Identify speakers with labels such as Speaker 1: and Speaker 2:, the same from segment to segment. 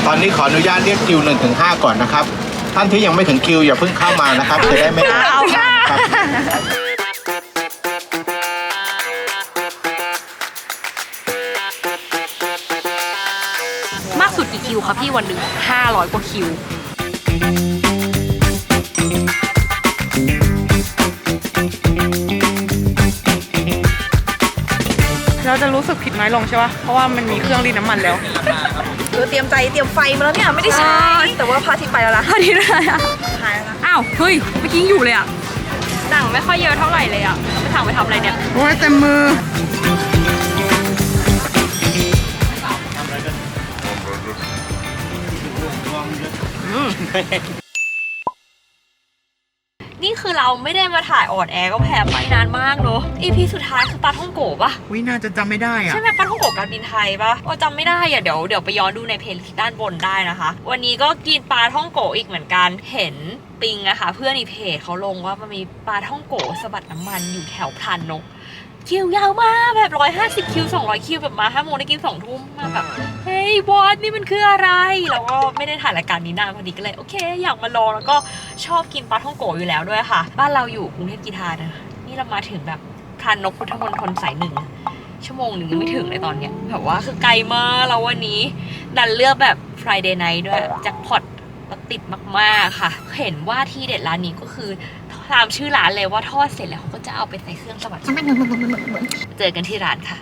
Speaker 1: ตอนนี้ขออนุญาตเรียกคิว1-5ก่อนนะครับท่านที่ยังไม่ถึงคิวอย่าเพิ่งเข้ามานะครับจะได้ไม่ครับ
Speaker 2: มากสุดกี่คิวคะพี่วันหนึ่ง500 กว่าคิวเราจะรู้สึกผิดน้อยลงใช่ปะเพราะว่ามันมีเครื่องรีดน้ำมันแล้ว
Speaker 3: เตรียมใจเตรียมไฟมาแล้วเนี่ยไม่ได้ใช้แต่ว่าพระอาทิตย์ไปแล้วล่ะ
Speaker 2: พระอาทิตย์อะไรอ่ะ
Speaker 3: หายแล้วนะ
Speaker 2: อ้าวเฮ้ยเมื่อกี้อยู่เลยอ่ะหนังไม่ค่อยเยอะเท่าไหร่เลยอ่ะเราไปสั่งไปทำอะไรเนี่ย
Speaker 4: โอ้ยเต็มมือ
Speaker 2: นี่คือเราไม่ได้มาถ่ายออดแอร์ก็แพ้ไปนานมากเนอะ EP สุดท้ายคือปลาท่องโกะปะ
Speaker 4: วิน่าจะจำไม่ได้อะ
Speaker 2: ใช่ไหมปลาท่องโกะการบินไทยปะจำไม่ได้อะเดี๋ยวไปย้อนดูในเพลย์ลิสต์ด้านบนได้นะคะ วันนี้ก็กินปลาท่องโกะอีกเหมือนกันเห็นปิงอะค่ะเพื่อนในเพจเขาลงว่ามันมีปลาท่องโกะสะบัดน้ำมันอยู่แถวพรานนกคิวยาวมากแบบ150 คิว200 คิวแบบมา5 โมงได้กิน2 ทุ่มมาแบบเฮ้ยบอสนี่มันคืออะไรเราก็ไม่ได้ถ่ายรายการนี้นานพอดีก็เลยโอเคอยากมาลองแล้วก็ชอบกินปลาท่องโกะอยู่แล้วด้วยค่ะบ้านเราอยู่กรุงเทพกีฬานะนี่เรามาถึงแบบพรานนกพุทธมณฑลสาย 1 ชั่วโมงหนึ่งยังไม่ถึงเลยตอนเนี้ยแบบว่าคือไกลมากแล้ววันนี้ดันเลือกแบบ Friday night ด้วยแจ็คพอตติดมากๆค่ะเห็นว่าที่เด็ดร้านนี้ก็คือตามชื่อร้านเลยว่าทอดเสร็จแล้วเขาก็จะเอาไปใส่เครื่องสวัสดิ์เจอกันที่ร้านค่ะ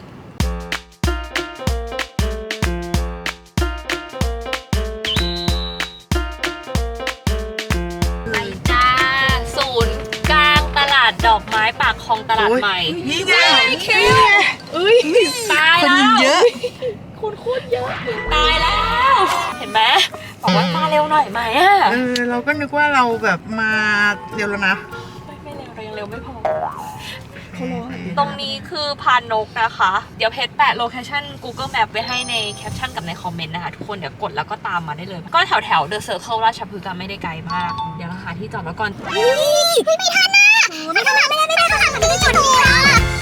Speaker 2: ไปจ้าศูนย์กลางตลาดดอกไม้ปากคลองตลาดใหม่
Speaker 4: นี่ไง
Speaker 2: คิวตายแล้วคนเยอะคนโคตรเยอะตายแล้วเห็นไหมบอกว่ามาเร็วหน่อยไหมอ่ะ
Speaker 4: เราก็นึกว่าเราแบบมาเร็วแล้วนะ
Speaker 2: ไม่เร็วเรายังเร็วไม่พอตรงนี้คือพานนกนะคะเดี๋ยวเพจแปะโลเคชั่น Google Map ไว้ให้ในแคปชั่นกับในคอมเมนต์นะคะทุกคนเดี๋ยวกดแล้วก็ตามมาได้เลยก็แถวเดอะเซอร์เคิลราชพฤกษ์ไม่ได้ไกลมากเดี๋ยวเราหาที่จอดแล้วก่อน
Speaker 3: ไม่ทันนะไม่ทันไม่ได้เขาทำแบบนี้จุดนี้แล้ว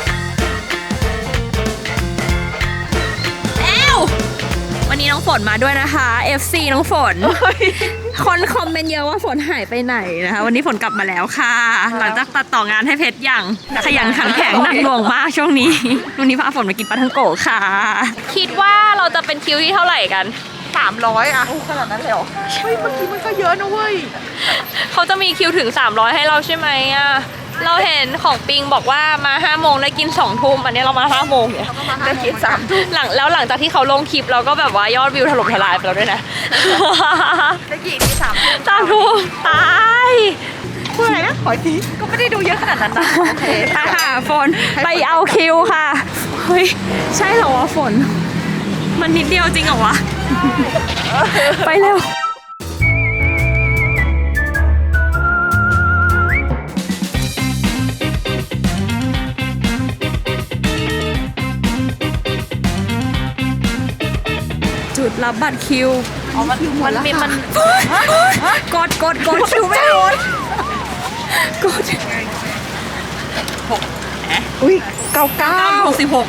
Speaker 2: วันนี้น้องฝนมาด้วยนะคะ FC น้องฝนคนคอมเมนต์เยอะว่าฝนหายไปไหนนะคะวันนี้ฝนกลับมาแล้วค่ะหลังจากตัดต่องานให้เพชรอย่างขยันขันแข็งหนักหน่วงมากช่วงนี้วันนี้พาฝนมากินปลาทังโกะค่ะคิดว่าเราจะเป็นคิวที่เท่าไหร่กัน
Speaker 4: 300อะ
Speaker 3: ขนาดนั้นเลยเหรอ
Speaker 4: เฮ้ยเมื่อกี้มันก็เยอะนะเว้ย
Speaker 2: เขาจะมีคิวถึง300ให้เราใช่ไหมอะเราเห็นของปิงบอกว่ามา5 โมงได้กิน2 ทุ่มอันนี้เรามา5 โมงเนี่ย
Speaker 3: ได้กิน3 ทุ่ม
Speaker 2: หลังจากที่เขาลงคลิปเราก็แบบว่ายอดวิวถล่มทลายไปแล้วด้วยนะ
Speaker 3: ได้กี่ที่
Speaker 2: 3 ทุ่มตาย
Speaker 4: พูดอะไรนะขอที
Speaker 3: ก็ไม่ได้ดูเยอะขนาดนั้นนะโอเค
Speaker 2: ค่ะฝนไปเอาคิวค่ะเฮ้ยใช่เหรอวะฝนมันนิดเดียวจริงเหรอวะไปเร็วจุดรับบัตรคิว
Speaker 3: มันกด
Speaker 2: คิวไม่โดนกด
Speaker 4: อุ้ย66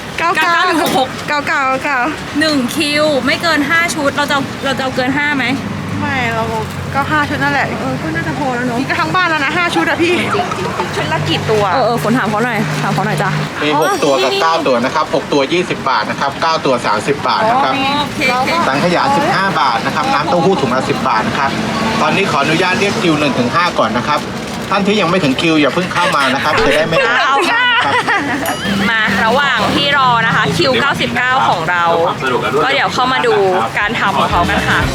Speaker 2: 1 คิวไม่เกิน5 ชุดเราจะเอาเกิน5ไหม
Speaker 4: ไม่เราก็5 ชุดนั่นแหละ
Speaker 2: ก็น่าจะพอแล้วเนาะ
Speaker 4: นี่ก็ทั้งบ้านแล้วนะ5 ชุดอะพี่
Speaker 3: ชุดละกี่ตัว
Speaker 2: ฝนถามเขาหน่อยจ้ะ
Speaker 1: มี6 ตัวกับ9 ตัวนะครับ6 ตัว20 บาทนะครับ9 ตัว30 บาทนะครับสังขยา15 บาทนะครับน้ำเต้าหู้ถุงละ10 บาทนะครับตอนนี้ขออนุญาตเรียกคิว1-5ก่อนนะครับท่านที่ยังไม่ถึงคิวอย่าเพิ่งเข้ามานะครับจะได้ไม่ครับ
Speaker 2: มาระหว่างที่รอนะคะคิว99ของเราก็เดี๋ยวเข้ามาดูการทำของเขากันค่ะ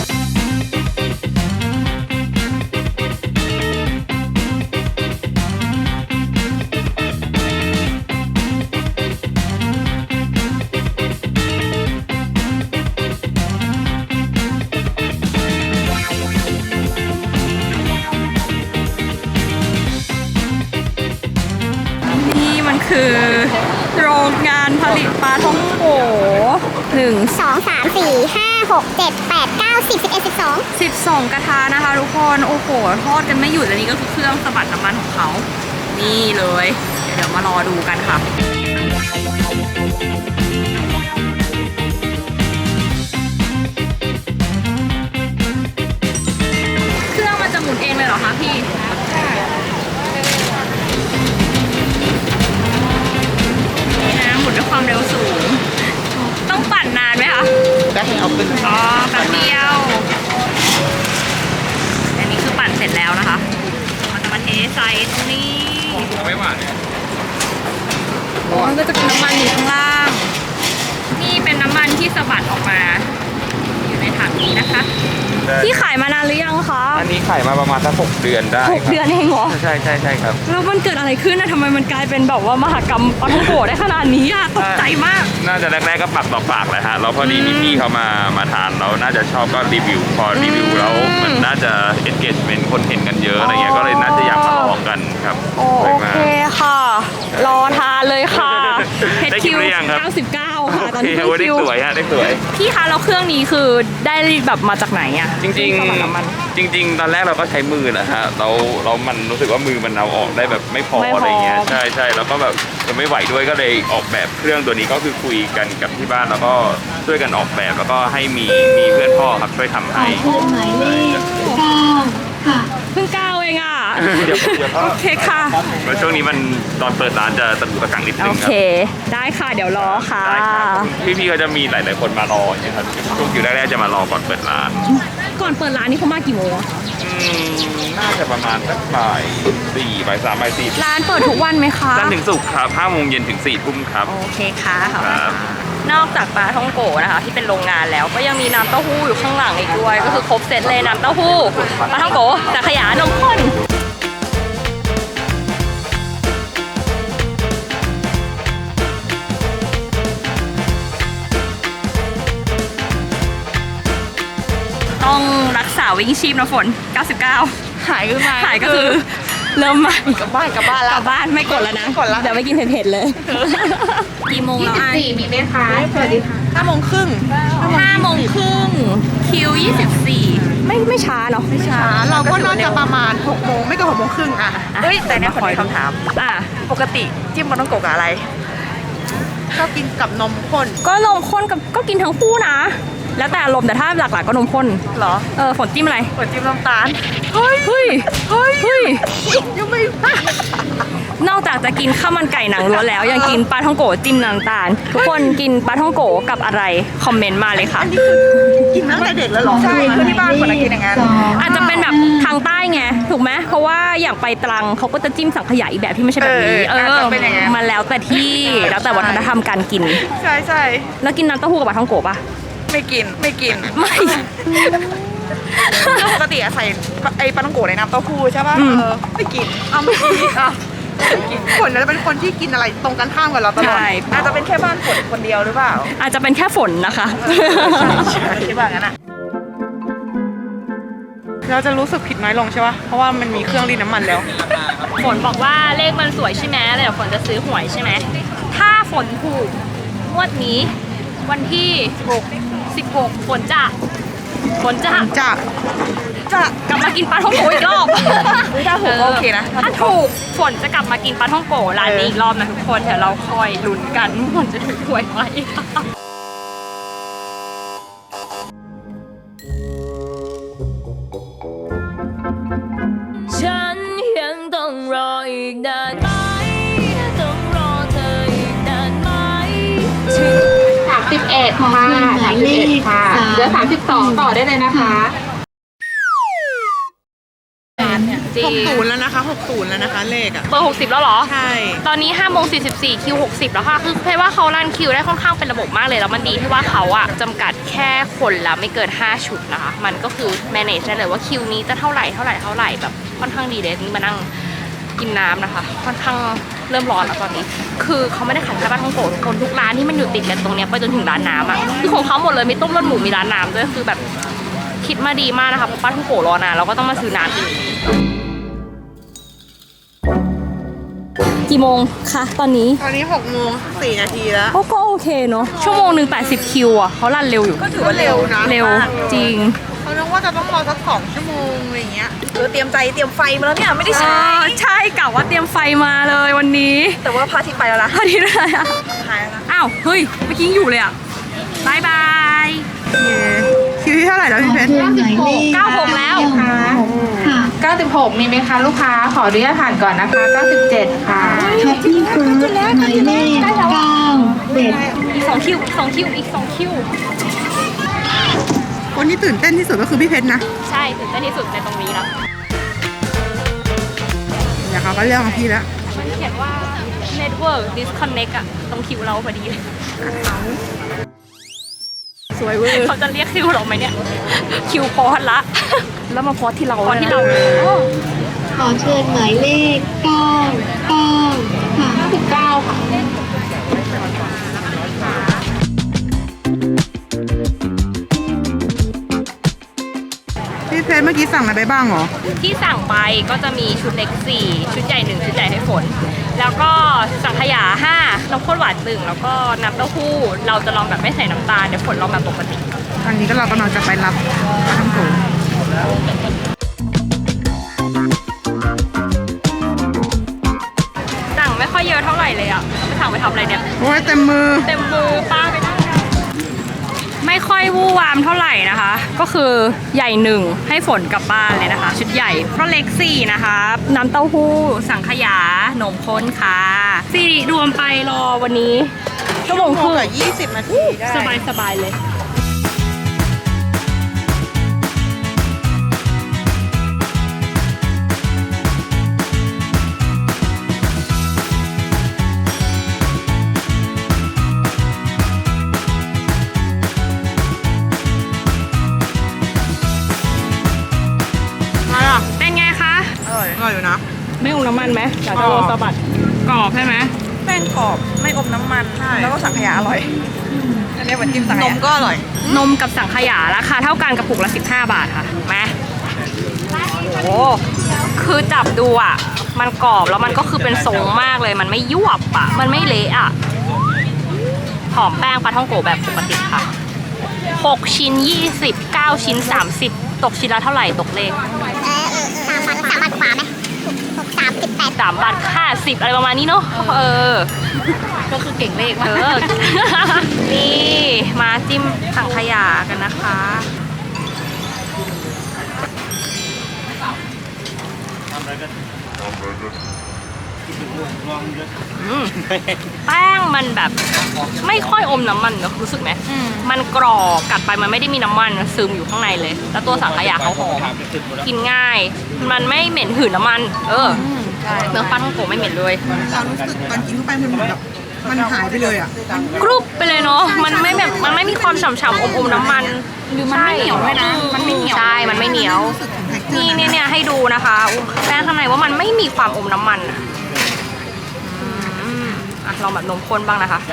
Speaker 2: คือโรงงานผลิตปลาท่องโก1
Speaker 5: 2 3 4 5 6 7 8 9 10 11
Speaker 2: 12กระทะนะคะทุกคนโอ้โหทอดกันไม่หยุดอันนี้ก็คือเครื่องสะบัดน้ำมันของเขานี่เลยเดี๋ยวมารอดูกันค่ะนี้นะคะพี่ขายมานานหรือยังคะ
Speaker 6: อันนี้ขายมาประมาณสัก6 เดือนได้
Speaker 2: 6 เดือนเองเหรอ
Speaker 6: ใช่ครับ
Speaker 2: แล้วมันเกิดอะไรขึ้นนะทำไมมันกลายเป็นแบบว่ามหกรรมปาท่องโกะได้ขนาดนี้อะตกใจมาก
Speaker 6: น่าจะแรกๆก็ปากต่อปากเลยฮะแล้วพอดีมีพี่เขามาทานเราน่าจะชอบก็รีวิวพอรีวิวแล้วมันน่าจะ engagement คนเห็นกันเยอะอะไรเงี้ยก็เลยน่าจะอยากมาลองกันครับ
Speaker 2: โอเคค่ะ รอทานเลยค่ะ
Speaker 6: ได้คิวหรือยังครับ
Speaker 2: 99ค่ะตอนนี้
Speaker 6: โอเคได้สวยฮะได้สวย
Speaker 2: พี่คะแล้วเครื่องนี้คือได้แบบมาจากไหนอะ
Speaker 6: จริงๆตอนแรกเราก็ใช้มือนะฮะเรามันรู้สึกว่ามือมันเอาออกได้แบบไม่พออะไรเงี้ยใช่แล้วก็แบบจะไม่ไหวด้วยก็เลยออกแบบเครื่องตัวนี้ก็คือคุยกันกับที่บ้านแล้วก็ช่วยกันออกแบบแล้วก็ให้มีเพื่อนพ่อครับช่วยทำให้
Speaker 5: หมายเลข9ค่ะ
Speaker 2: เพิ่ง9เองอ่ะ
Speaker 6: เดี๋ยวพ่อ
Speaker 2: โอเคค่ะ
Speaker 6: แล้วช่วงนี้มันตอนเปิดร้านจะตะกุกตะกังนิดนึ
Speaker 2: โอง
Speaker 6: ค
Speaker 2: เค
Speaker 6: รับ
Speaker 2: ได้ค่ะเดี๋ยวรอค่ะ
Speaker 6: ได้ครับพี่ๆก็จะมีหลายๆคนมารออย่างเงี้ยครับช่วงคิวแรกๆจะมารอก่อนเปิดร้าน
Speaker 2: ก่อนเปิดร้านนี่เขามากี่โมงอะ
Speaker 6: น่าจะประมาณสักบ่าย 4 บ่าย 3 บ่าย 4
Speaker 2: ร้านเปิดทุกวันไหมคะ
Speaker 6: จันทร์ถึงศุกร์ครับ5 โมงเย็นถึง 4 ทุ่มครับ
Speaker 2: โอเคค่ะ
Speaker 6: ครับ
Speaker 2: นอกจากปลาท่องโกะนะคะที่เป็นโรงงานแล้วก็ยังมีน้ำเต้าหู้อยู่ข้างหลังอีกด้วย ก็คือครบเซตเลยน้ำเต้าหู้ปลาท่องโกะสังขยานมข้นต้องรักษาวิ่งชีพนะฝน 99
Speaker 3: หายขึ้นมา
Speaker 2: หายก็คือเริ่มใหม่
Speaker 3: กลับบ้านแล้ว
Speaker 2: กลับบ้านไม่กดแล้วนะ
Speaker 3: ไม่กดแล้ว
Speaker 2: เดี๋ยวไม่กินเผ็ดๆเลย กี่โมงแล้วอ่ะ
Speaker 3: มีไหมคะสวัสดีค่ะ5 โมงครึ่ง
Speaker 2: 5 โมงครึ่งคิว 24 ไม่ช้าเนาะไม่ช้า
Speaker 4: เราก็น่าจะประมาณ6 โมงไม่เกิน6 โมงครึ่งอ่ะ
Speaker 3: เฮ้ยแต่เนี่ยคนมีคำถาม
Speaker 2: อ่ะ
Speaker 3: ปกติจิ้มปลาท่องโกะกับอะไร
Speaker 4: ก็กินกับนมข้น
Speaker 2: ก็นมข้นกับก็กินทั้งคู่นะ แล้วแต่อารมณ์แต่ถ้าหลักๆก็นมข้น
Speaker 3: เหรอ
Speaker 2: ฝนจิ้มอะไร
Speaker 3: กดจิ้มน้ำตาล
Speaker 2: เฮ้ยยังไม่นอกจากจะกินข้าวมันไก่หนังล้วนแล้วยังกินปลาท่องโกะจิ้มน้ำตาล ทุกคนกินปลาท่องโกะกับอะไรคอมเมนต์มาเลยค่ะ
Speaker 4: กินตั้งแต่เด็กแล้วเหรอ
Speaker 3: ใช่คือที่บ้านคนกินอย่างนั้น
Speaker 2: อาจจะเป็นแบบทางใต้ไงถูกไหมเพราะว่าอย่างไปตรังเขาก็จะจิ้มสังขยาอีกแบบที่ไม่ใช่แบบนี้
Speaker 3: อาจจะเป็นอย่างนั้น
Speaker 2: มันแล้วแต่ที่แล้วแต่วัฒนธรรมการกิน
Speaker 3: ใช่ใช่
Speaker 2: แล้วกินน้ำเต้าหู้กับปลาท่องโกะปะ
Speaker 3: ไม่กิน
Speaker 2: ไม่
Speaker 3: แล้วปกติอะใส่ไอ้ปลาท่องโกะในน้ำเต้าหู้ใช่ป่ะ
Speaker 2: อืม
Speaker 3: ไม่กินเอาไม่กินอ่ะไม่กิน
Speaker 4: ฝนจะเป็นคนที่กินอะไรตรงกันข้ามกับเราตลอด
Speaker 2: ใช่
Speaker 3: อาจจะเป็นแค่บ้านฝนคนเดียวหรือเปล่า
Speaker 2: อาจจะเป็นแค่ฝนนะคะ
Speaker 3: คิดว่างั้นอะ
Speaker 4: เราจะรู้สึกผิดน้อยลงใช่ปะเพราะว่ามันมีเครื่องรีดน้ำมันแล้ว
Speaker 2: ฝนบอกว่าเลขมันสวยใช่ไหมแล้วเดี๋ยวฝนจะซื้อหวยใช่ไหมถ้าฝนถูกงวดนี้วันที่16ฝนจะ
Speaker 4: จะ
Speaker 2: กลับมากินปลาท่องโกะอีกรอบ
Speaker 3: ถ้าถูกก็โอเคนะ
Speaker 2: ถ้าถูกฝนจะกลับมากินปลาท่องโกะร้านนี้อีกรอบนะทุกคนเดี๋ยวเราคอยลุ้นกันว่าฝนจะถูกหวยไหม
Speaker 7: ฉันยังต้องรออีกนานไหมต้องรอเธออีกนานไหม
Speaker 8: 31 ค่ะ31 ค่ะเหลือ32 ต่อได้เลยนะคะ
Speaker 2: จริง
Speaker 4: 60แล้วนะคะ60แล้วนะคะเลขอ่ะ
Speaker 2: เบอร์60แล้วเหรอ
Speaker 4: ใช่
Speaker 2: ตอนนี้5 โมง 44คิว60แล้วค่ะคือเพราะว่าเขารันคิวได้ค่อนข้างเป็นระบบมากเลยแล้วมันดีที่ว่าเขาอะจำกัดแค่คนละไม่เกิน5ชุดนะคะมันก็คือ manage ได้เลยว่าคิวนี้จะเท่าไหร่แบบค่อนข้างดีเลยนี่มานั่งกินน้ำนะคะค่อนข้างเริ่มร้อนแล้วตอนนี้คือเขาไม่ได้ขายแค่ปลาท่องโกะทุกคนทุกร้านที่มันอยู่ติดกันตรงเนี้ยไปจนถึงร้านน้ำอะคือของเขาหมดเลยมีต้มเลือดหมูมีร้านน้ำด้วยคือแบบคิดมาดีมากนะคะเพราะปลาท่องโกะรอนานเราก็ต้องมาซื้อน้ำอีกกี่โมงคะตอนนี้
Speaker 4: ตอนนี้6 โมง 4 นาทีแล้ว
Speaker 2: ก็โอเคเนาะชั่วโมงหนึ่ง80คิวอ่ะเขารันเร็วอยู่
Speaker 4: ก็ถือว่าเร็วนะ
Speaker 2: เร็วจริง
Speaker 4: เขาคิดว่าจะต้องรอสัก2 ชั่วโมงอะไรอย่างเงี้ย
Speaker 3: เตรียมใจเตรียมไฟมาแล้วเนี่ยไม่ได้ใช้
Speaker 2: ใช่กะว่าเตรียมไฟมาเลยวันนี้
Speaker 3: แต่ว่าพระอาทิตย์ไปแล้วนะ
Speaker 2: พอดีเลยอ่ะ
Speaker 3: หายแล้วนะ
Speaker 2: อ้าวเฮ้ยเมื่อกี้ยังอยู่เลยอ่ะบายบาย
Speaker 4: คิวที่เท่าไหร่แล้วพี่เพชร
Speaker 2: 96แล้ว
Speaker 8: 96 มีไหมคะลูกค้า ขออนุญาตผ่านก่อนนะคะ 97 ค่ะ
Speaker 5: ช้อปปี้เฟิร์สหมายเลข9
Speaker 2: อีก2คิวอีก2คิว
Speaker 4: คนที่ตื่นเต้นที่สุดก็คือพี่เพชรนะ
Speaker 2: ใช่ตื่นเต้นที่สุดในตรงนี้แล้ว
Speaker 4: เดี๋ยวเขาก็เรียกของพี่แล้ว
Speaker 2: มันเขียนว่า network disconnect อะตรงคิวเราพอดีเลย
Speaker 3: สวยเวอร์
Speaker 2: เขาจะเรียกคิวเราไหมเนี่ย คิวพอดละ
Speaker 3: แล้วมาพอที่เรา
Speaker 2: พอดที่เรา
Speaker 5: ขอเชิญหมายเลข 99 ค่ะ
Speaker 8: 9ค่ะ
Speaker 4: พี่เพชรเมื่อกี้สั่งอะไรไปบ้างเหรอ
Speaker 2: ที่สั่งไปก็จะมีชุดเล็ก 4 ชุดใหญ่ 1 ชุดใหญ่ให้ฝน แล้วก็สังขยา 5 น้ำข้นหวาน 1 แล้วก็น้ำเต้าหู้ เราจะลองแบบไม่ใส่น้ำตาล เดี๋ยวฝนลองแบบปกติ
Speaker 4: ตอนนี้ก็เรากำลังจะไปรับปลาท่องโก
Speaker 2: สั่งไม่ค่อยเยอะเท่าไหร่เลยอ่ะไปสั่งไปทำอะไรเนี่ย
Speaker 4: โอ้ยเต็มมือ
Speaker 2: เต็มมือป้าไปนั่งกันไม่ค่อยวู่วามเท่าไหร่นะคะ ก็คือใหญ่ 1ให้ฝนกลับบ้านเลยนะคะ ชุดใหญ่ก็เล็ก 4 นะคะ น้ำเต้าหู้ สังขยานมข้นค่ะสิริรวมไปรอวันนี้ชั่วโมงครึ่ง
Speaker 4: กับ20 นาทีได้
Speaker 2: สบายๆเลย เป็นไงคะ
Speaker 4: อร่อยอยู่นะ
Speaker 2: ไม่อมน้ำมันไหมอยากจะโรยสะบัดกรอบใช่ไหม
Speaker 3: แป้งกรอบไม่อมน้ำมัน
Speaker 4: ใช่
Speaker 3: แล้วก็สังขยาอร่อย อันนี้เหมือนจิ้มสังข
Speaker 4: น
Speaker 3: ยาม
Speaker 4: ก็อร่อย
Speaker 2: นมกับสังขยาราคาเท่ากันกระปุกละ15 บาทค่ะมาโอ้คือจับดูอ่ะ มันกรอบแล้วมันก็คือเป็นทรงมากเลย มันไม่ยวบอ่ะ มันไม่เละอ่ะ หอมแป้งปลาท่องโกแบบปกติค่ะ6 ชิ้น 20 9 ชิ้น 30 ตกชิ้นละเท่าไหร่ตกเลข
Speaker 5: 3 บาทกว่าไหม6 3
Speaker 2: 3 บาท50อะไรประมาณนี้เนาะ
Speaker 3: ก็คือเก่งเลข
Speaker 2: เอ
Speaker 3: มาก
Speaker 2: อ นี่มาจิ้มสังขยากันนะคะ แป้งมันแบบไม่ค่อยอมน้ำมันเนอะรู้สึกไหมมันกรอบกัดไปมันไม่ได้มีน้ำมันซึมอยู่ข้างในเลย แล้วตัวสังขยาเขาหอมกินง่าย มันไม่เหม็นหืนน้ำมัน เนื้อปลาท่องโกไม่เหม็นเลย
Speaker 4: ความรู้สึกตอนกินเข้าไปมันเหมือนแบบมันหายไปเลยอ่ะ
Speaker 2: กรุบไปเลยเนาะ มันไม่แบบมันไม่มีความฉ่ำๆอมๆน้ำมันหรือมันไม่เหนียวด้วยนะ มันไม่เหนียว ใช่ มันไม่เหนียว
Speaker 4: รู้สึกถึง texture
Speaker 2: นี่เนี่ยให้ดูนะคะแป้งข้างในว่ามันไม่มีความอมน้ำมันอะลองแบบนมข้นบ้างนะคะ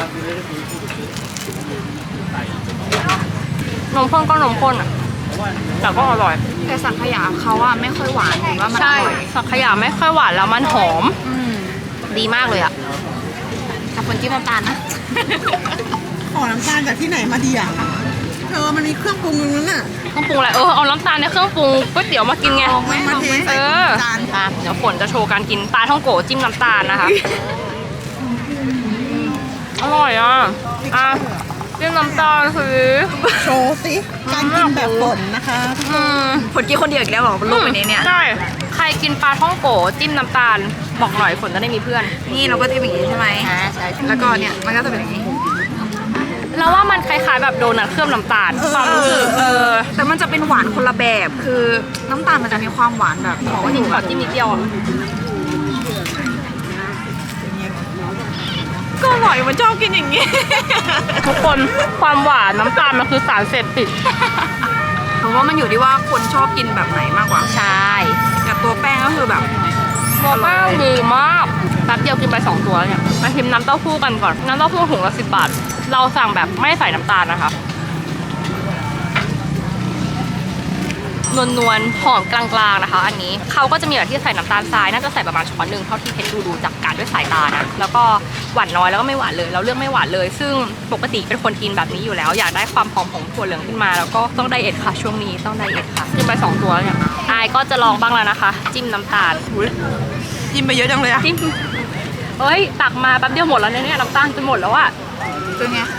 Speaker 2: นมข้นก็นมข้นอ่ะแต่ก็อร่อย
Speaker 3: แต่สังขยาเขาอะไม่ค่อยหวานหรือว่ามันอ
Speaker 2: ใช่
Speaker 3: ร่อย
Speaker 2: สังขยาไม่ค่อยหวานแล้วมันหอม ดีมากเลยอ่ะ
Speaker 3: กับคนจิ้มน้ำตาลนะ
Speaker 4: ขอน้ำตาลจากที่ไหนมาดีอ่ะมันมีเครื่องปรุงตรงนั้นน่ะ
Speaker 2: เครื่องปรุงอะไรเอาน้ำตาลในเครื่องปรุงก๋วยเตี๋ยวมากินไง
Speaker 4: มาเทใส่จาน
Speaker 2: เดี๋ยวฝนจะโชว์การกินปลาท่องโกะจิ้มน้ำตาลนะคะ อร่อยอ่ะจิ้มน้ำตาลสิ
Speaker 4: โชว์สิการกินแบบฝนนะคะ
Speaker 3: ผลกินคนเดียวอีกแล้วเหรอลูกไปในเนี้ย
Speaker 2: ใช่ ใครกินปลาท่องโกะจิ้มน้ำตาล บอกหน่อยฝนจะได้มีเพื่อน
Speaker 3: นี่เราก็จิ้มอย่างนี้ใช่ไหมใช่แล้วก็เนี่ยมันก็จะเป็นอย่างนี้
Speaker 2: แล้วว่ามันคล้ายๆแบบโดนัทเคลือบน้ำตาลความรู้สึก
Speaker 3: แต่มันจะเป็นหวานคนละแบบ คือน้ำตาลมันจะมีความหวานแบบ
Speaker 2: ขอจิ้มนิดเดียวอ่ะ
Speaker 3: ก็อร่อยมันชอบกินอย่างนี้
Speaker 2: ทุกคนความหวานน้ำตาลมันคือสารเสพติด
Speaker 3: เพราะว่ามันอยู่ที่ว่าคนชอบกินแบบไหนมากกว่า
Speaker 2: ใช่
Speaker 3: แต่ตัวแป้งก็คือแบบ
Speaker 2: ตัวแป้งดีมากแป๊บเดียวกินไป2 ตัวเนี่ยมาชิมน้ำเต้าหู้กันก่อน น้ำเต้าหู้ถุงละ10 บาท เราสั่งแบบไม่ใส่น้ำตาลนะคะนวลๆหอมกลางๆนะคะ อันนี้เขาก็จะมีแบบที่ใส่น้ำตาลทรายน่าจะใส่ประมาณช้อนหนึ่งเท่าที่เพชรดูจากการด้วยสายตานะแล้วก็หวานน้อยแล้วก็ไม่หวานเลยเราเลือกไม่หวานเลย ซึ่งปกติเป็นคนกินแบบนี้อยู่แล้ว อยากได้ความหอมของถั่วเหลืองขึ้นมาแล้วก็ต้องไดเอทค่ะช่วงนี้ต้องไดเอทค่ะกินไป2 ตัวแล้วเนี่ยอายก็จะลองบ้างแล้วนะคะ จิ้มน้ำตาล
Speaker 3: จิ้มไปเยอะจังเลยอะ
Speaker 2: จิ้มเอ้ยตักมาแป๊บเดียวหมดแล้วเนี่ยน้ำตาลจะหมดแล้วอะ
Speaker 3: เป็นไง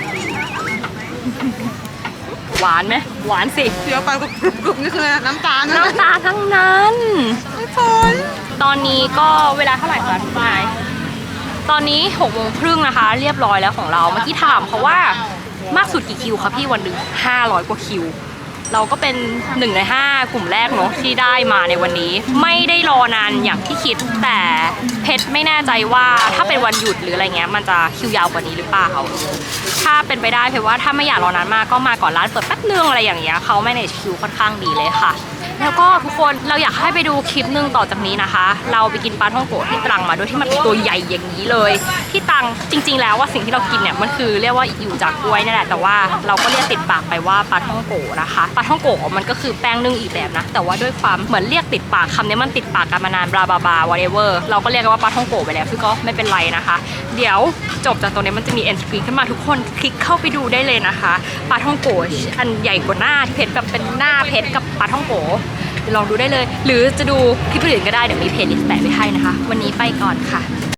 Speaker 2: หวานไหมหวานสิ
Speaker 4: เดี๋ยวไปก็กรุบๆนี่คือน้ำตาลนะ
Speaker 2: น้ำตาลทั้งนั้น
Speaker 4: ไม่ฝน
Speaker 2: ตอนนี้ก็เวลาเท่าไหร่คะทุกนายตอนนี้6:30นะคะ เรียบร้อยแล้วของเราเมื่อกี้ถามเขาว่ามากสุดกี่คิวคะพี่วันหนึ่ง500 กว่าคิวเราก็เป็น1 ใน 5กลุ่มแรกเนาะที่ได้มาในวันนี้ไม่ได้รอนานอย่างที่คิดแต่เพชรไม่แน่ใจว่าถ้าเป็นวันหยุดหรืออะไรเงี้ยมันจะคิวยาวกว่านี้หรือเปล่าถ้าเป็นไปได้เพราะว่าถ้าไม่อยากรอนานมากก็มาก่อนร้านเปิดแป๊บนึงอะไรอย่างเงี้ยเขาmanageคิวค่อนข้างดีเลยค่ะแล้วก็ทุกคนเราอยากให้ไปดูคลิปนึงต่อจากนี้นะคะ เราไปกินปลาท่องโกะที่ตรังมาโดยที่มันเป็นตัวใหญ่อย่างนี้เลยที่ตรังจริงๆแล้วว่าสิ่งที่เรากินเนี่ยมันคือเรียกว่าอยู่จากกล้วยนี่แหละแต่ว่าเราก็เรียกติดปากไปว่าปลาท่องโกะนะคะปลาท่องโกะมันก็คือแป้งนึ่งอีกแบบนะแต่ว่าด้วยความเหมือนเรียกติดปากคำนี้มันติดปากกันมานานบลาบลาบลา whatever เราก็เรียกกันว่าปลาท่องโกะไปแล้วซึ่งก็ไม่เป็นไรนะคะเดี๋ยวจบจากตรงนี้มันจะมี end screen ขึ้นมาทุกคนคลิกเข้าไปดูได้เลยนะคะปลาท่องโกะอันใหญ่กว่าหน้าที่เพชรแบบเป็นหน้าเพชรกับปลาท่องโกะลองดูได้เลยหรือจะดูคลิปอื่นก็ได้เดี๋ยวมีเพจลิสต์แปะไว้ให้นะคะวันนี้ไปก่อนค่ะ